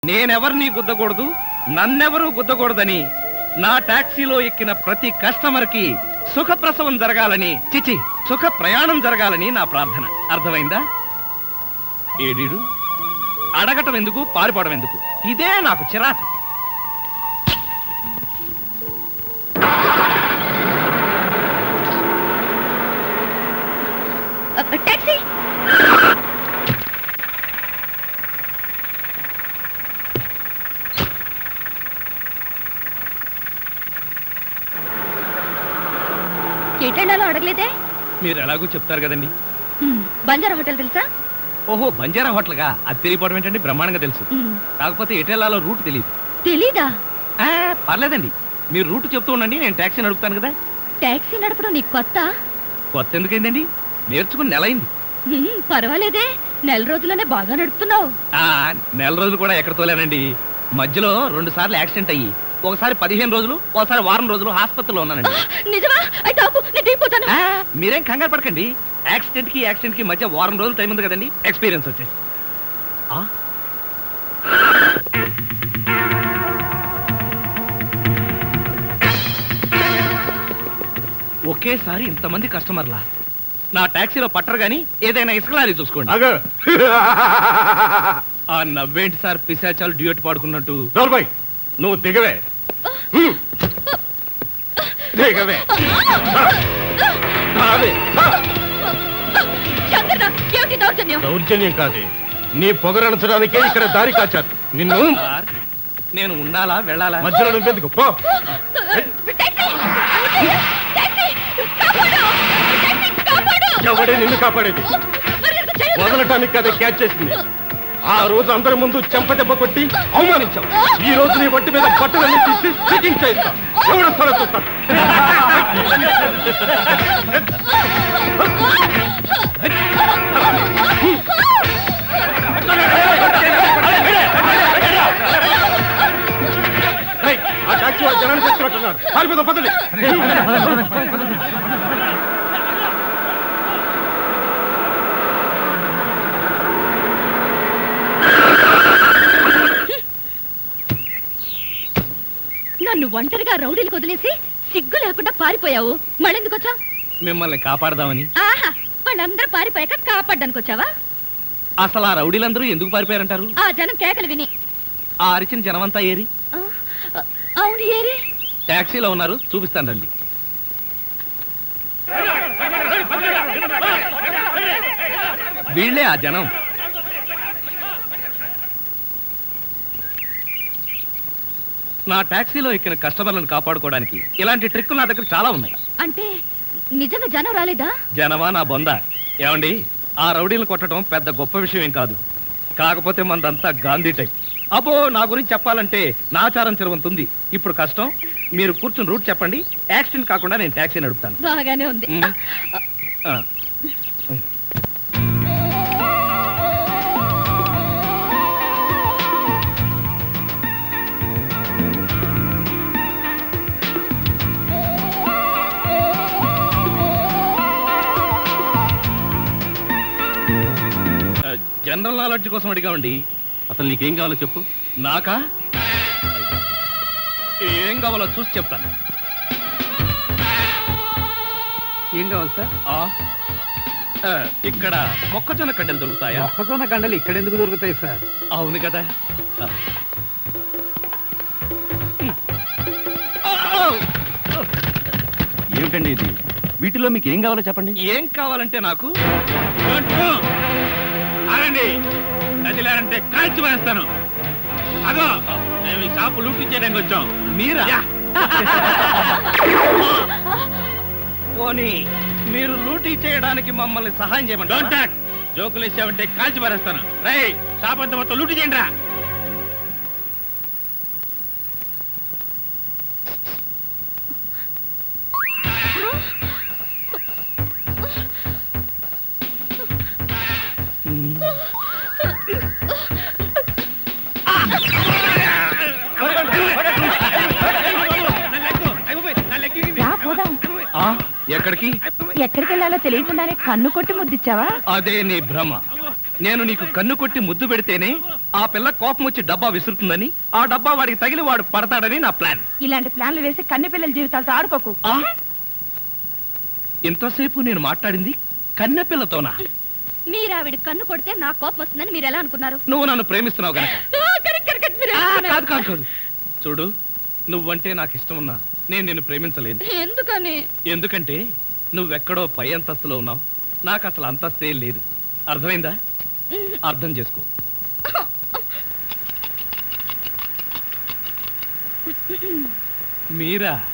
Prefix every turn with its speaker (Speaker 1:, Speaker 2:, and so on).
Speaker 1: నేనెవర్ని గుద్దకూడదు, నన్నెవరూ గుద్దకూడదని నా టాక్సీలో ఎక్కిన ప్రతి కస్టమర్ కి సుఖప్రసవం జరగాలని, చిచి సుఖ ప్రయాణం జరగాలని నా ప్రార్థన. అర్థమైందా? ఏడీడు అడగటం ఎందుకు, పారిపోవడం ఎందుకు? ఇదే నాకు చిరాకు.
Speaker 2: టాక్సీ ఎటెళ్ళాలో అడగలేదే?
Speaker 1: మీరు ఎలాగో చెప్తారు కదండి.
Speaker 2: బంజారా హోటల్ తెలుసా?
Speaker 1: ఓహో, బంజారా హోటల్గా? అది తెలియపోవడం ఏంటండి, బ్రహ్మాండంగా తెలుసు. కాకపోతే ఎటెళ్ళాలో రూట్ తెలియదు.
Speaker 2: తెలీదా?
Speaker 1: పర్లేదండి, మీరు రూట్ చెప్తూ ఉండండి, నేను టాక్సీ నడుపుతాను కదా.
Speaker 2: టాక్సీ నడపడం నీకు కొత్త?
Speaker 1: కొత్త ఎందుకైందండి, నేర్చుకుని నెల అయింది.
Speaker 2: పర్వాలేదే, నెల రోజుల్లోనే బాగా నడుపుతున్నావు.
Speaker 1: నెల రోజులు కూడా ఎక్కడ తోలేనండి. మధ్యలో 2 సార్లు యాక్సిడెంట్ అయ్యి, ఒకసారి 15 రోజులు, ఒకసారి వారం రోజులు హాస్పిటల్లో ఉన్నానండి.
Speaker 2: నిజమా? అయితే ఆపు, నేను దిగిపోతాను.
Speaker 1: మీరేం కంగారు పడకండి. యాక్సిడెంట్ కి మధ్య వారం రోజులు టైం ఉంది కదండి, ఎక్స్పీరియన్స్ వచ్చేసి. ఒకేసారి ఇంతమంది కస్టమర్లా నా టాక్సీలో పట్టరు గాని ఏదైనా ఇసుకలారీ చూసుకోండి. ఆ నవ్వేంటి సార్, పిశాచాలు డ్యూయట్ పాడుకున్నట్టు.
Speaker 3: నువ్వు దిగవే, దిగవే. దౌర్జన్యం కాదే, నీ పొగరణించడానికే ఇక్కడ దారి కాచారు. నిన్ను
Speaker 1: నేను ఉండాలా వెళ్ళాలా?
Speaker 3: మధ్యలో నువ్వెందుకు? పో. ఎవడే నిన్ను కాపాడేది? వదలటానికి కదా క్యాచ్ చేసింది. ఆ రోజు అందరి ముందు చెంపదెబ్బ కొట్టి అవమానించావు. ఈ రోజు నీ ఒంటి మీద బట్టలన్నీ తీసి చెకింగ్ చేయిస్తాం. ఎవరు స్థలం చూస్తాను. ఆ టాక్సీ వాళ్ళు జనాన్ని తెచ్చినట్టున్నారు. పారిపోదాం, పదండి.
Speaker 2: నన్ను ఒంటరిగా రౌడీలకు వదిలేసి సిగ్గు లేకుండా పారిపోయావు. మళ్ళెందుకు వచ్చావు?
Speaker 1: మిమ్మల్ని కాపాడదామని.
Speaker 2: ఆహా, వాళ్ళందరూ పారిపోయాక కాపాడ్డానికి వచ్చావా?
Speaker 1: అసలు ఆ రౌడీలందరూ ఎందుకు పారిపోయారంటారు?
Speaker 2: ఆ జనం కేకలు విని.
Speaker 1: ఆ అరిచిన జనమంతా ఏరి?
Speaker 2: అవును, ఏరి.
Speaker 1: టాక్సీలో ఉన్నారు, చూపిస్తాను రండి. వీళ్ళే ఆ జనం. నా టాక్సీలో ఎక్కిన కస్టమర్లను కాపాడుకోవడానికి ఇలాంటి ట్రిక్కులు నా దగ్గర చాలా ఉన్నాయి.
Speaker 2: అంటే నిజంగా జనం రాలేదా?
Speaker 1: జనమా నా బొంద. ఏమండి, ఆ రౌడీలను కొట్టడం పెద్ద గొప్ప విషయం ఏం కాదు. కాకపోతే మనదంతా గాంధీ టైప్. అబ్బో, నా గురించి చెప్పాలంటే నాచారం చిరవంతుంది. ఇప్పుడు కష్టం, మీరు కూర్చుని రూట్ చెప్పండి. యాక్సిడెంట్ కాకుండా నేను టాక్సీ నడుపుతాను.
Speaker 2: బాగానే ఉంది.
Speaker 1: జనరల్ నాలెడ్జ్ కోసం అడిగామండి.
Speaker 3: అసలు నీకేం కావాలో చెప్పు.
Speaker 1: నాకా? ఏం కావాలో చూసి చెప్తాను.
Speaker 3: ఏం కావాలి సార్?
Speaker 1: ఇక్కడ మొక్కజొన్న కండలు దొరుకుతాయా?
Speaker 3: మొక్కజొన్న కండలు ఇక్కడ ఎందుకు దొరుకుతాయి సార్?
Speaker 1: అవును కదా.
Speaker 3: ఏమిటండి ఇది? వీటిలో మీకు ఏం కావాలో చెప్పండి.
Speaker 1: ఏం కావాలంటే నాకు
Speaker 4: నదిలారంటే కాల్చి వేస్తాను. అదో మేము ఈ షాపు లూటీ చేయడానికి వచ్చాం.
Speaker 1: మీరా? పోనీ మీరు లూటీ చేయడానికి మమ్మల్ని సహాయం చేయమంటారా?
Speaker 4: జోకులు ఇచ్చావంటే కాల్చి పారేస్తాను. రై, షాప్ అంతా మొత్తం లూటీ చేయండి రా.
Speaker 1: ఎక్కడికి?
Speaker 2: ఎక్కడికి వెళ్ళాలో తెలియకుండానే కన్ను కొట్టి ముద్దిచ్చావా?
Speaker 1: అదే నీ భ్రమ. నేను నీకు కన్ను కొట్టి ముద్దు పెడితేనే ఆ పిల్ల కోపం వచ్చి డబ్బా విసురుతుందని, ఆ డబ్బా వాడికి తగిలి వాడు పడతాడని నా ప్లాన్.
Speaker 5: ఇలాంటి ప్లాన్లు వేసి కన్నె పిల్లల జీవితాలతో ఆడుకోకు.
Speaker 1: ఆ? ఇంతసేపు నేను మాట్లాడింది కన్నె పిల్లతోనా?
Speaker 2: మీరు ఆవిడ కన్ను కొడితే నా కోపం వస్తుందని మీరు ఎలా అనుకున్నారు?
Speaker 1: నువ్వు నన్ను ప్రేమిస్తున్నావు గనక.
Speaker 2: మీరు
Speaker 1: కాదు కాదు కాదు. చూడు, నువ్వంటే నాకు ఇష్టం ఉన్నా నేను నిన్ను ప్రేమించలేను.
Speaker 2: ఎందుకని?
Speaker 1: ఎందుకంటే నువ్వెక్కడో పై అంతస్తులో ఉన్నావు, నాకు అసలు అంతస్తే లేదు. అర్థమైందా? అర్థం చేసుకో. మీరా